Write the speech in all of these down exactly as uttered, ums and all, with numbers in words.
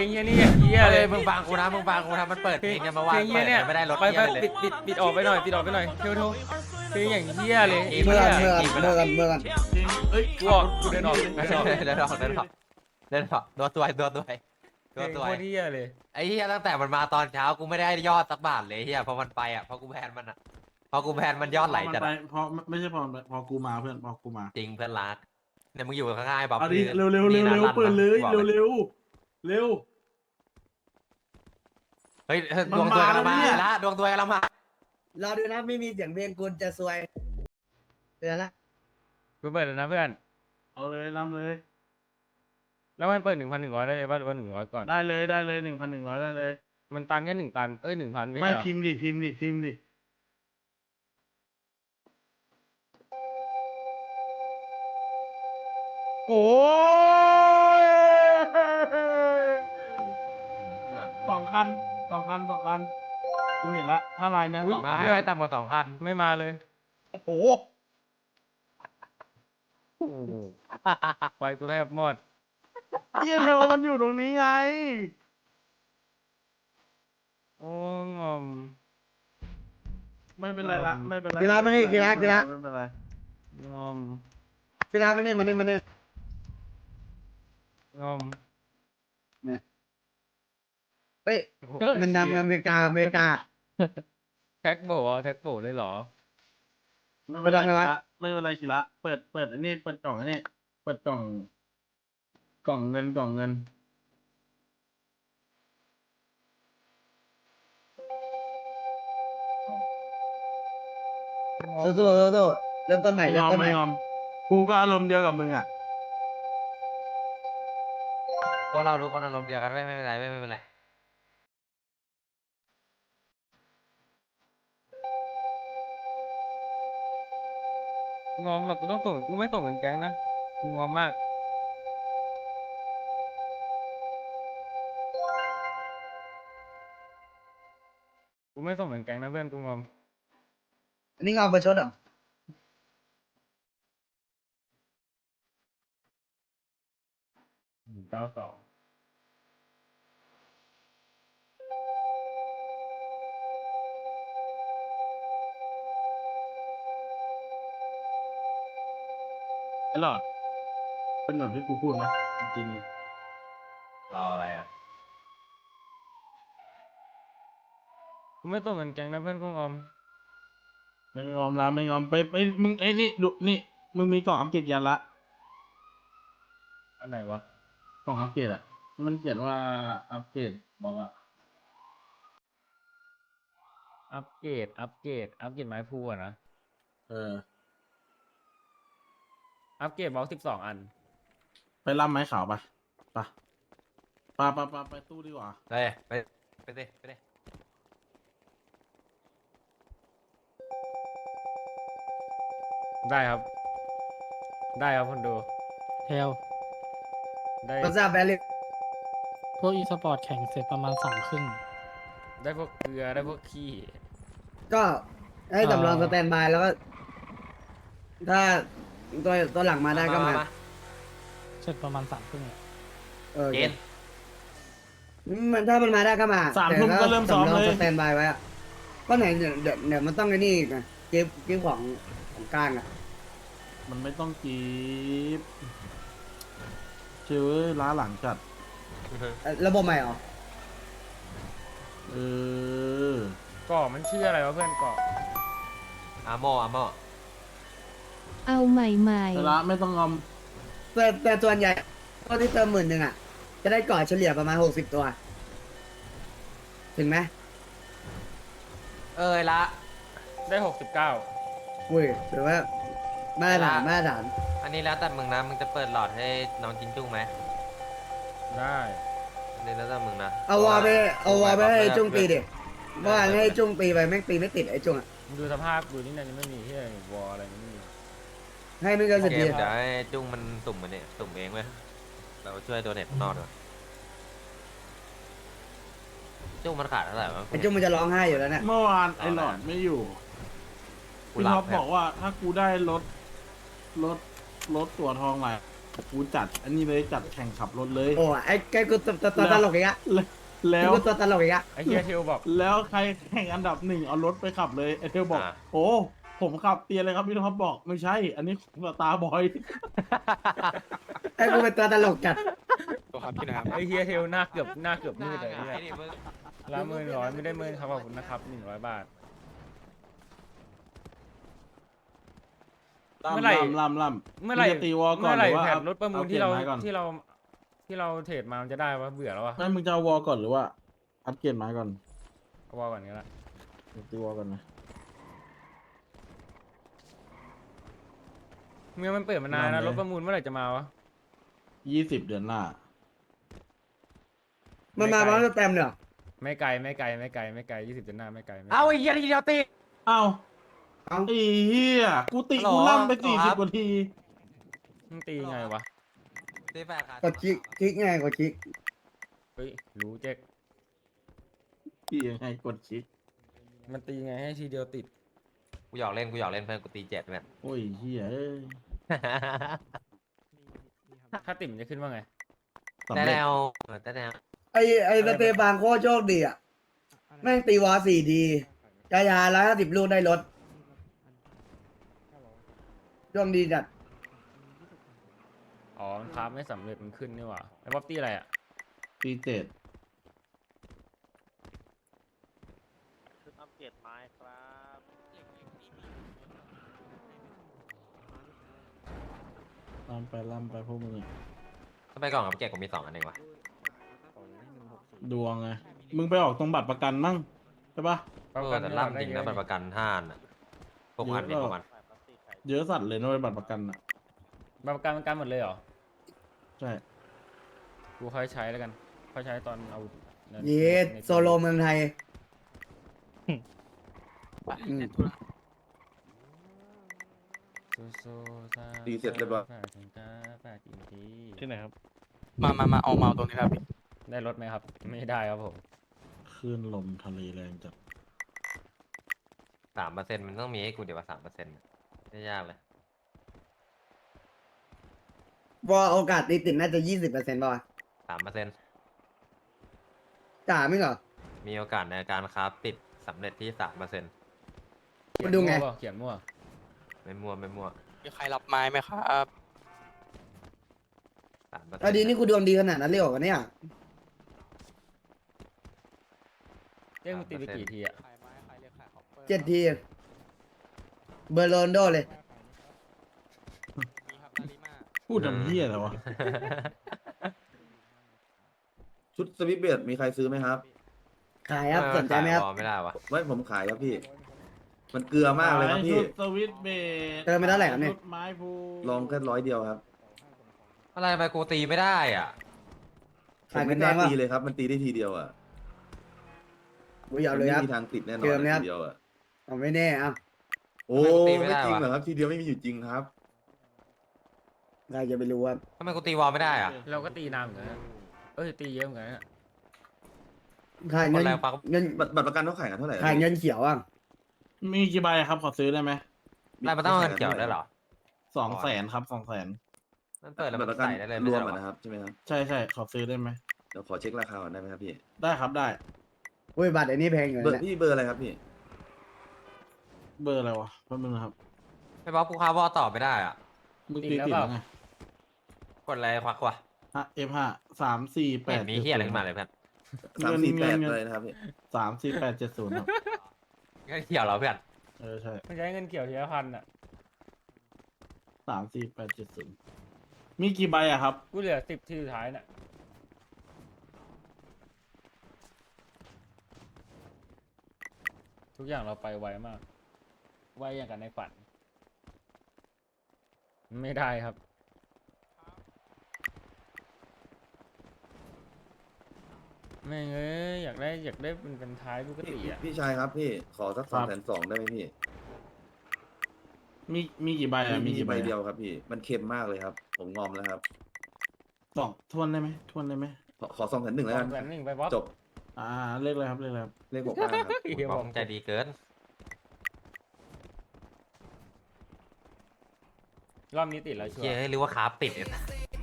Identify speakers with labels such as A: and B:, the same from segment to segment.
A: งเฮียนี่อย่างเฮียเลย
B: มึงฟังกูนะมึงฟังกูนะมันเปิดเพลงเนี่ยมาว่า
A: เพลงเฮียเนี่ย
B: ไม่ได้รถ
A: ไป
B: เฮี
A: ไป
B: ยเลย
A: ปิดปิดปิดออกไปหน่อยปิดออกไปหน่อยเทวโทเพลงอย่างเฮียเลย
C: เมื่อ
A: เฮี
C: กัน
A: ย
C: เมื่อกันเมื่อกันเมื่อกัน
D: เอ้ย
A: กูออกกูเดินออกเดินออก
B: เดินออกเดินออกเดินออกตัวตัวตัวตัว
A: เพล
B: ตัว
A: ง
B: ตัว
A: โคตรเฮียเลย
B: ไอ้เฮียตั้งแต่มันมาตอนเช้ากูไม่ได้ยอดสักบาทเลยเฮียพอมันไปอ่ะพอกูแพนมันอ่ะพอกูแพนมันยอดไหลจัด
D: ไปเพราะไม่ใช่พอพอกูมาเพื่อนพอกูมา
B: จริงเพื่อนรักเนี่ยมึงอยู่ข้างๆบ๊อบ
D: เอาดิเร็วเร็วเร็วเร็วเปิดเลยเร็วเร็วเร็ว
B: เฮ้ยดวงตัวกำลังมาละดวงตัวกำลังมา
C: รอดูนะไม่มีเสียงเพลงคุณจะซวยเตือนละ
A: กูเปิดแล้วนะเพื่อน
D: เอาเลยนำเลย
A: แล้วมันเปิดหนึ่งพันหนึ่งร้อยได้เลยป่ะหรือว่าหนึ่งร้อยก่อน
D: ได้เลยได้เลยหนึ่งพันหนึ่งร้อยได้เลย
A: มันตันแค่หนึ่งตันเอ้ยหนึ่งพันไม่
D: ไม่
A: ใช่เหรอ
D: พิมพ์ดิพิมพ์ดิพิมพ์ดิ โอ้ยสองคันสองคันสองคันกูเห็นละถ้าลายนะสอง
B: มา
D: คัน
B: ให้ไปต่ำกว่าสองพัน
A: ไม่มาเลย
D: โอ้โห
A: ไฟกูแทบหมด
D: เยี่ยมมันอยู่ตรงนี้ไง
A: โอ้งอม
D: ไม่เป็นไรละไม่เป็นไร
C: กีฬาไม่นี่กีฬากีฬา
D: ไม่เป็นไร
A: งอม
C: กีฬาไม่นี่มานี่มานี่
A: งอม
C: เฮ้ยมันนำอเมริกาอเมริกา
A: แท็กโบว์แท็กโบว์เลยเหรอ
D: ไม่เป็นไรละไม่เป็นไรสิละเปิดเปิดอันนี้เปิดกล่องอันนี้เปิดกล่อง กล่องเงินกล่องเงิน
C: สู้สู้สู้สู้เริ่มต้นใหม่
D: ไม่ย
C: เริ่ม
D: อม
C: ต้นให
D: ไม่
C: ม่
D: ยอมกูก็อารมณ์เดียวกับมึงอ่ะ
B: พวกเรารู้คนอารมณ์เดียวกันไม่ไม่เป็นไรไม่ไม่เป็นไร
A: งอมแบบกูต้องส่งกูไม่ส่งเงินแก๊งนะกูงอมมากกูไม่ส่งเงินแก๊งนะเพื่อนกูงอม
C: อันนี้เงาประชดเหรอ
A: เก้าสอง
D: ไอ้หลอดเป็นแบบที่กูพูดไหมจริง
B: รออะไรอ่ะ
A: กูไม่ส่งเงินแก๊งนะเพื่อนกูงอม
D: ๆไม่ยอมละไม่ยอมไปไปมึงไอ้นี่ดูนี่มึงมีกล่องอัปเกรดยันละ
A: อันไหนวะ
D: กล่องอัปเกรดอ่ะมันเขียนว่าอัปเกรดบอกว่า
A: อัปเกรดอัปเกรดอัปเกรดไม้พูอะนะ
D: เออ
A: อัปเกรดบล็อกสิบสองอัน
D: ไปรับไม้ขาวปะปะปะปะปะไปตู้ดีกว่า
B: ไปไปไปดิไปดิ
A: ได้ครับ ได้ครับคนดู
E: เทล
A: ได้
C: ภาษาแบลิ
E: พวกอีสปอร์ตแข่งเสร็จประมาณสามครึ่ง
A: ได้พวกเกลือได้พวกขี้
C: ก็ให้สำรอง
E: เอ่อ
C: สแตนบายแล้วก็ ถ้าตัวตัวหลังมาได้ก็มา
E: เสร็จประมาณสามครึ่งอะ
C: เออ
B: เกณฑ์
C: มันถ้ามันมาได้ก็มา
D: สามทุ่มก็เริ่มซ้อม
C: แต่
D: เล
C: ถ้าย สแตนบายไว้อะก็ไหนเดี๋ยวเดี๋ยวเดี๋ยวมันต้องไอ้นี่อีกนะเก็บเก็บของของกลางอ่ะ
D: มันไม่ต้องกีบเชื่อล้าหลังจัด
C: เอ่อระบบใหม่เหรอ
D: เออ
A: ก่อมันชื่ออะไรวะเพื่อนก่อ
B: อาโมอาโม
F: เอาใหม่
D: แต่ละไม่ต้องงอม
C: แต่แต่ส่วนใหญ่พวกที่เติมหมื่นหนึ่งอ่ะ จะได้ก่อเฉลี่ยประมาณหกสิบตัว ถึงไหม
B: เอ้ยละ
A: ได้หกสิบเก้า
C: อุ้ยถือว่ามาตรฐาน
B: ละ
C: มาตรฐาน
B: อันนี้แล้วแต่มึงนะมึงจะเปิดหลอดให้น้องจินจุ้งไหม
A: ได้
B: อันนี้แล้วแต่มึงนะ
C: เอาวอลไปเอาวอลไปให้จุ้งตีดิเมื่อวานให้จุ้งตีไปแม่งตีไม่ติดไอ้จุ้งอ่ะ
A: มึงดูสภาพดูนี่นะยังไม่มีที่วอลอะไรไม่มี
C: ให้ไม่เกินสิบ
B: เก
C: ที
B: มเดี๋ยวให้จุ้งมันสุ่มมันเนี่ยสุ่มเองเว้ยเราช่วยตัวเน็ตข้างนอกด้วยจุ้งมันขาดเท่าไหร่วะ
C: ไอ้จุ้งมันจะร้องไห้อยู่แล้วเนี่ย
D: เมื่อวานไอ้หลอดไม่อยู่
B: กู
D: พี่
B: หลั
D: ท็อบ ป
B: เนี่ย
D: บอกว่าถ้ากูได้รถรถรถตัวทองใหม่กูจัดอันนี้เลยจัดแข่งขับรถเลย
C: โอ้ไอ้ไอ้กูตัวตัวตัวตลกอีกอะ
D: แล้ว
C: กูตัวตลกอีกอะ
A: ไอ้เฮียเทลบอก
D: แล้วใครแข่งอันดับหนึ่งเอารถไปขับเลยไอเทลบอก
B: อ่ะ
D: โอ้ผมขับเตียนเลยครับพี่ท็อปบอกไม่ใช่ อันนี้สตาร์บอย
C: ไอ้กูเป็นตัวตลกจัด
A: ไอ้เฮียเทลหน้าเกือบหน้าเกือบมืดเลย
B: หน้าห
A: เนี่
B: งาย
A: ย
B: ดิมึง
A: ละหมื่นร้อยไม่ได้หมื่นครับขอบคุณนะครับหนึ่งร้อยบาท เมื่อไหร่
D: ล่ำล่ำ
A: เมื่อไหร่
D: งจะตีวอลก่อน
A: เมื่อไหร่
D: รือว่า
A: แผนรถประมูลที่เรา
D: อปลี่ยนไก่อน
A: ที่เราที่เราเทรดมามันจะได้วะเบื่อแล้ววะ
D: ไม่มึงจะเอาวอลก่อนหรือว่าอัปเกรดไม้ก่อน
A: เอาว่าก่อนนี้ละ
D: ตีวอลก่อนนะ
A: เมื่อมันเปิดมานานนะ
D: นานเลย
A: รถประมูลเมื่อไหร่จะมาวะ
D: ยี่สิบเดือนหน้า
C: มันมาพร้อมสแตมป์เนี่ยเหรอ
A: ไม่ไกลไม่ไกลไม่ไกลไม่ไกลยี่สิบเดือนหน้าไม่ไกลไม่ไกล
B: เอาไอ้เหี้ยทีเดียวตี
D: เอ้า
C: เอ้า
D: ไอ้เหี้ยกูติ
B: ฮัลโหล
D: กูล่ำไป
B: ฮัล
D: สี่
B: โหลค
D: สิ
B: รั
D: บบ กว่าที
A: มึงตีไงวะ
B: ตีแปดขา
C: กดคลิกคลิกไงกดคลิก
A: เฮ้ยรู้เจ๊ก
D: พี่ยังไงกดชิป
A: มันตีไงให้ทีเดียวติด
B: กูหยอกเล่นกูหยอกเล่นเพื่อนกูตีเจ็ดเนี่ย
D: โอ้ยเหี้ยเอ้ย
A: ถ้าติดมันจะขึ้นว่าไง
D: สำ
B: แต่
D: เร็
B: แน
D: จ
B: วเออแต่แนว
C: ไอ้ไอ้สเตฟานโคตรโชคดีอะแม่งตีวอลสี่ดีกายาร้อยห้าสิบลูกได้รถช่วงดีจัด
A: อ๋อมันพาร์ทไม่สำเร็จมันขึ้นนี่หว่าไอ้บ๊อบตี้อะไรอ่ะ
D: ตีเจ็ด
G: ชุดอัปเกรดไม้ครับ
D: ล่ำไปล่ำไปพวกมึงอะ
B: ทำไมกล่องกับเจ็ดกูมีสองอันเองวะ
D: ดวงไงมึงไปออกตรงบัตรประกันมั่งใช่ปะ
B: เออแต่ล่ำจริงนะมันประกันห้าอันอะพวกอันนี้พวกมัน
G: ฝ่ายพลาสติกไข่
D: เยอะสัตว์เลยนะเว้ยบัตรประกันอ่ะ
A: บัตรประกันประกันหมดเลยเหรอ
D: ใช่
A: กูค่อยใช้แล้วกัน ค่อยใช้ตอนเอางิน
C: เย็ด
A: ใน
C: โซโลเมืองไทยอืม
A: สู้ๆซา
H: ดีเสร็จเรียบร้อย
A: ฝากถึงตาฝากถึงที
E: ที่ไหนครับ มามามาเอาเมาตรงนี้ครับพี่
A: ได้รถไหมครับ ไม่ได้ครับผม
D: คลื่นลมทะเลแรงจัด
B: สามเปอร์เซ็นต์มันต้องมีให้กูเดี๋ยวว่าสามเปอร์เซ็นต์ไม่ยากเลย
C: วอลโอกาสตีติดน่าจะยี่สิบเปอร์เซ็นต์ป่ะ
B: สามเปอร์เซ็นต์
C: จ่าไม่เหรอ
B: มีโอกาสในการคราฟติดสำเร็จที่สามเปอร์เซ็นต์
C: มาดูไง
A: เขียนมั่ว
B: ไม่มั่วไม่มั่ว
E: มีใครรับไม้ไหมครับ
B: สามเปอร์เซ็น
C: เอาดี
B: ต์
C: นี่กูดวงดีขนาดนั้นเลยเหรอวะเนี่ย
A: เจ๊มึงตีไปกี่ทีอ่ะ
C: เจ็ดทีเบอร์โรนโดเลย
D: พูดทำเหี้ยอะไรวะ
H: ชุดสวิตช์เบดมีใครซื้อไหมครับ
C: ขายครับสนใจไหมครับ
B: ขายไม่ได้วะ
H: ไว้ผมขายครับพี่ มันเกลือมากเลยครับพี่
D: ชุดสวิตช์เบส
C: เติมไปเท่าไหร่ครับเนี่ย
D: ชุดไม้พู
H: ลองแค่ร้อยเดียวครับ
B: อะไรไปกูตีไม่ได้อ่ะ
H: ผ
C: ขาย
H: ม
C: เป็
H: ไม่
C: น
H: ก
C: แด
H: ล้าง
C: วะ
H: ตีเลยครับ มันตีได้ทีเดียวอ่ะ
C: กูอยาก
H: มัน
C: เลย
H: ไม่
C: ครับ
H: มีทางติดแน่นอน
C: เติมไหมครับ
H: ทีเดียวอ่ะ
C: ผมไม่แน่เอ้า
H: โอ้
B: ทำไมกูตีไม่
H: ไม่
B: ได้
H: จริง
B: วะ
H: เหรอครับ ทีเดียวไม่มีอยู่จริงครับ
C: ใครจะไปรู้ว่า
B: ทำไมกูตีวอลไม่ได้อ่ะ
A: เราก็ตีนานเหมือนกันนะเอ้ยตีเยอะเหมือนกันนะ
C: ขาย
B: ค
C: เงิ
B: น
C: น
B: แรงฟัง
C: เงิน
H: บัตรบัตรประกันเขาขายกันเท่าไหร่อะ
C: ขายเงินเขียวอ่ะ
D: มีกี่ใบครับ ขอซื้อได้ไหม
B: อะไรมันต้องเอาเงินเกี่ยวได้วยเหรอ
D: สองแสนครับสองแสน
B: มันเปิดแล้ว
H: บั
B: มั
H: ตร
B: น
H: ประกัน
B: ใส่ได้เลย
H: ร
B: ไม่
H: ว
B: ใช่
H: ม
B: เหร
H: อะ
B: อ
H: นะครับใช่ไหมครับ
D: ใช่ใช่ขอซื้อได้ไหม
H: เดี๋ยวขอเช็คราคาก่อนได้ไหมครับพี่
D: ได้ครับได้
C: อุ้ยบัตรไอ้นี่แพงอยู่
H: เบอ
C: นะ
H: ร์พี่เบอร์อะไรครับพี่
D: เบอร์อะไรวะแป๊บนึงนะครับ
B: ไม่บอกกูคาร์วอลต่อไม่ได้อ่ะ
D: มึงตีติดแล้วไง
B: กดอะไรควักวะ
D: ฮะ เอฟห้าสามสี่แป
B: ไม่เห็
D: ด
B: นมีเฮียอะไรขึ้นมาเลยเพื่อน
H: สามสี่แปดเลยนะครับพี่
D: สามสี่แปดเจ็ดศูนย์ครับ
B: เงินเกี่ยวเหรอเพื่อน
D: เออใช่
A: มันใช้เงินเกี่ยวทีละพันอ่ะ
D: สามสี่แปดเจ็ดศูนย์มีกี่ใบอะครับ
A: กูเหลือสิบทีสุดท้ายน่ะ ทุกอย่างเราไปไวมาก ไวอย่างกันในฝัน ไม่ได้ครับ ไม่งเอ้ยอยากได้อยากได้เป็นเป็นท้ายปก
H: พี่
A: ติอ่ะ
H: พี่ชายครับพี่ ขอสัก
D: ครั
H: สอง
D: บ
H: แสนสองได้ไหมพี่
D: มีมีกี่ใบอะมี
H: มี
D: กี่
H: ใบ
D: ใบอะ
H: เดียวครับพี่ มันเค็มมากเลยครับ ผมงอมแล้วครับ
D: สองทวนได้ไหมทวนได้ไหม
H: ขอขอสองแสนหนึ่งแล้วกัน
A: แสนหนึ่งไปบอส
H: จบ
D: อ่าเลขอะไรครับเลขอะไรครับ
H: เลขหกห้าครับ
A: เฮีย
B: บบ อ
A: อก ก
B: มึงใจดีเกิน
A: รอบนี้ติดแล้วชัว
B: เฮีย
A: ร์
B: ให้รู้ว่าคราฟติดเนี่ย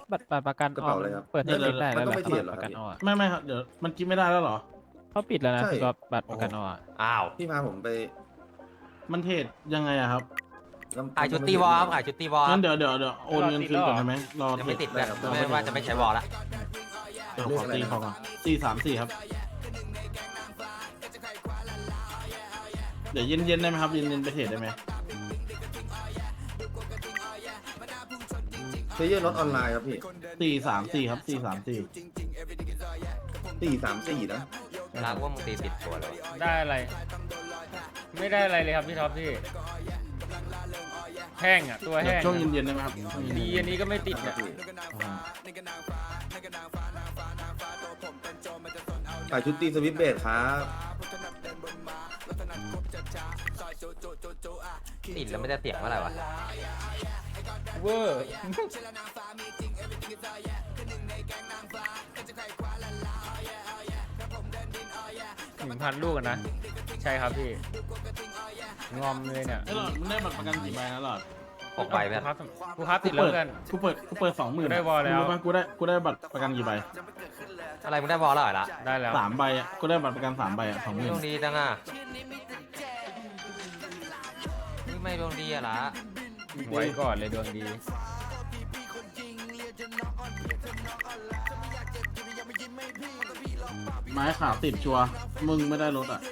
I: บัตรบัตรประกัน
H: กระ
I: ออ
H: เป๋าก อะไรครับ
I: เปิดให้
D: เดี๋ยว
I: ปิดได้
H: มั
I: แล้ว
H: น
I: เห
H: ต้
I: ร
H: อง
I: อ
H: ไป
I: ครับ
H: เทรดเหรอ
I: บัตร
H: ครับ
I: ประกันออก
D: ไม่ไม่ครับเดี๋ยวมันกินไม่ได้แล้วเหรอ
I: เขาปิดแล้วนะ
H: ใช่
I: พี่ก็บัตรประกันออกอะ
B: อ้าว
H: พี่พาผมไป
D: มันเทรดยังไงอะครับ
H: แล้ว
B: ขายชุดตีวอลครับขายชุดตีวอล
D: งั้นเดี๋ยวเดี๋ยวเดี๋ยวโอนเงินคืนก่อนได้ไหมรอ
B: ยัง
D: เทร
B: ไม่
D: ด
B: ติดเลยไม่ว่าจะไม่ใช้วอลละ
D: เดี๋ยวขอตีเขาก่อนสี่สามสี่ครับ เดี๋ยวเย็นเย็นๆได้ไหมครับเย็นเย็นๆไปเทรดได้ไหม
H: เพย์เยอร์รถออนไลน์ครับพี่
D: สี่สามสี่ครับสี่สามสี่
H: สี่สามสี่นะ
B: รักว่ามึงตีติดตัวเลยวะ
A: ได้อะไร ไม่ได้อะไรเลยครับพี่ท็อปพี่แห้งอ่ะตัวแห้ง
D: ช่วงเย็นเย็นๆได้ไหมครับช่วงเย็นๆ
A: ดีอันนี้ก็ไม่ติด
H: ครั
A: อ่ะ
H: บพี่
D: อ่า
H: ขายชุดตีสวิตช์เบสครับ
B: ติดแล้วไม่ได้เสียงเมื่อไหร่วะ
A: เวอร์หนึ่งพันลูกอะนะ ใช่ครับพี่ งอมเลยเนี่ย
D: ไอ้หลอดมึงได้บัตรประกันกี่ใบนะหลอด
B: หกใบเพื่อน
A: ครับกูครับติดแล้วเพื่อน
D: กูเปิดกูเปิดสองหมื่น
A: ได้วอลแล้ว
D: กูได้กูได้บัตรประกันกี่ใบ
B: อะไรมึงได้วอลแล้วเหรอละ
A: ได้แล้ว
D: สามใบอ่ะกูได้บัตรประกันสามใบอ่ะสองหมื่น
B: ดวงดีจังอ่ะไม่ดวงดีอะละ
A: ไว้ก่อนเลยดวงดี
D: ไม้ขาวติดชัวร์มึงไม่ได้รถอ่ะ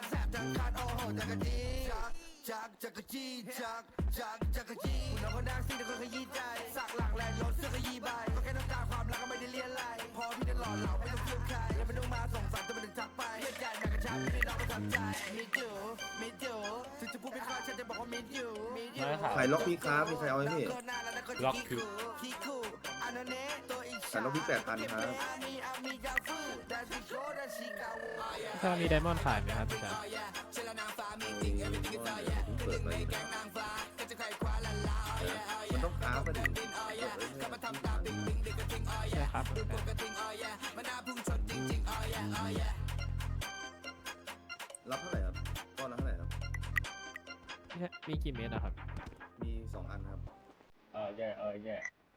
H: ขายล็อกพี่ครับมีใครเอาไหมพี่
A: ล็อกคือ
H: ขายล็อกพี่แปดพันครับ
I: ถ้ามีไดมอนด์ขายไหมครับพี่ชาย
H: เปิดไปอยู่นะมันต้องค้าไปดิ
I: ใช่ครับ
H: รับเท่าไหร่ครับก้อนละเท่าไหร่ครับ
I: มีกี่เมตรนะครับ
H: มีสองอันครับ
A: เออแย่เออแย่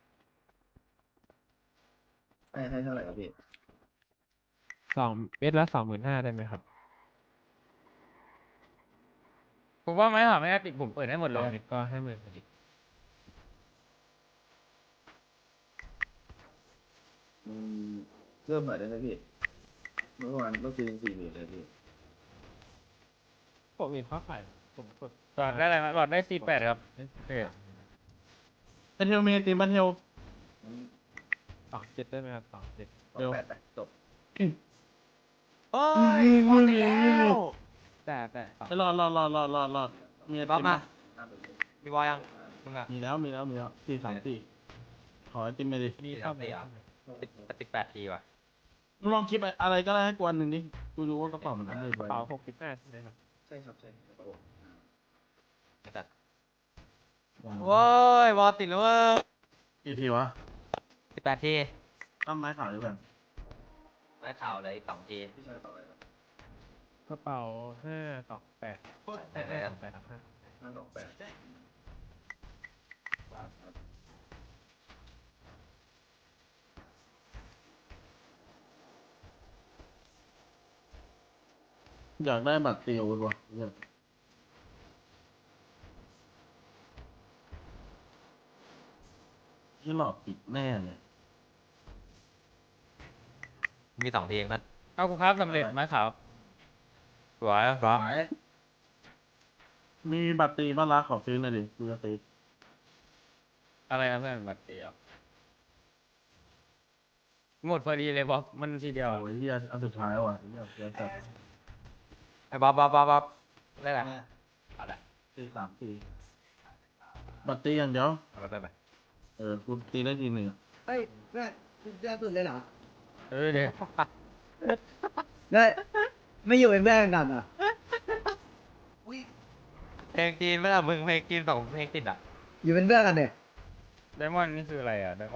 H: ให้ให้เท่าไหร่ครับพี่
I: สองเมตรละสองหมื่นห้าได้ไหมครับ
A: ผมว่าไม้หาไม่ได้ติดผมเปิดให้หมด
I: ส
A: เล
I: อง
A: ย
I: เมตรก็ให้หมื่นพอดี
H: อืมเริ่มหน่อยได้ไหมพี่ เมื่อวานก็คือสี่หมื่นเลยพี่
I: ผมเห็นเขาขายผมกด
A: หลอดได้อะไรมาหลอดได้สี่แปดครับโอเค
D: ไอเทลเมตีบันเทล
I: สองเจ็ดได้ไหมครับสองเจ็ด
H: สองแปดไปจบ
B: โอ้ยหมดแล้ว
I: แต่แต่สอง
D: ไอรอดรอดรอดรอดรอดรอดมีไอ
B: บ๊อ
D: ติ
B: บ
D: ม
B: มา
D: ปะ
B: มีวอลยังมึงอะ
D: มีแล้วมีแล้วมีแล้วสี่สามสี่ขอไอติมไปดิ
I: มีเท่าไหร่
B: ติดติดแปดทีว่ะ
D: มึงลองคิดอะไรก็ได้ให้กวนหนึ่งดิกูรู้ว่ากระเป๋ามันอะไร
I: กระเป๋าหกสิบห้าใช่ไหมครับ
H: ใช่ครับใช่ครับผม
B: แต่โว้ยวอลติดแล้วเว้ย
D: กี่ทีวะ
B: สิบแปดที
D: ตั้มไม้ขาวหรือเปล่า
B: ไม่ข่าวเลยอีกสองที
H: พี่ชายต่ออะไรครับ
I: กระเป๋าห้าสองแปด
B: แต่ไหน
I: ส
B: อะ
I: องแปดครับห้า
H: ห้าสองแปด
D: อยากได้บัตรเตียววะเนี่ยที่หลอกปิดแน่เลย
B: มีสองทีเองนั่น
A: เอากูครับสำเร็จไม้ขาว
B: สวยสวย
D: มีบัตรตีบ้านรักขอซื้อหน่อยดิดูจะตี
A: อะไรนะเพื่อนบัตรเดียวหมดพอดีเลยบอกมันทีเดียว
D: โอ้ยเฮียอันสุดท้ายว่ะเฮียเฮียจัด
B: ไอ้บ๊อบบ๊อบบ๊อบบ๊อบได้แหละเอาละ
D: ตีสามตีบัตรตีอย่างเดียว
B: เอาไปไปไป
D: เออกูตีได้ทีหนึ่ง
C: เฮ้ยเพื่อนเพื่อนสุดเลยเหรอ
A: เออเดี๋ยว
C: เฮ้ยไม่อยู่เป็นเพื่อนกันเหรอ
B: เพลงจีนไม่ล่ะมึงเพลงจีนสองเพลงติดอ่ะ
C: อยู่เป็นเพื่อนกันเนี่ย
A: ไดมอนด์นี่คืออะไรอ่ะ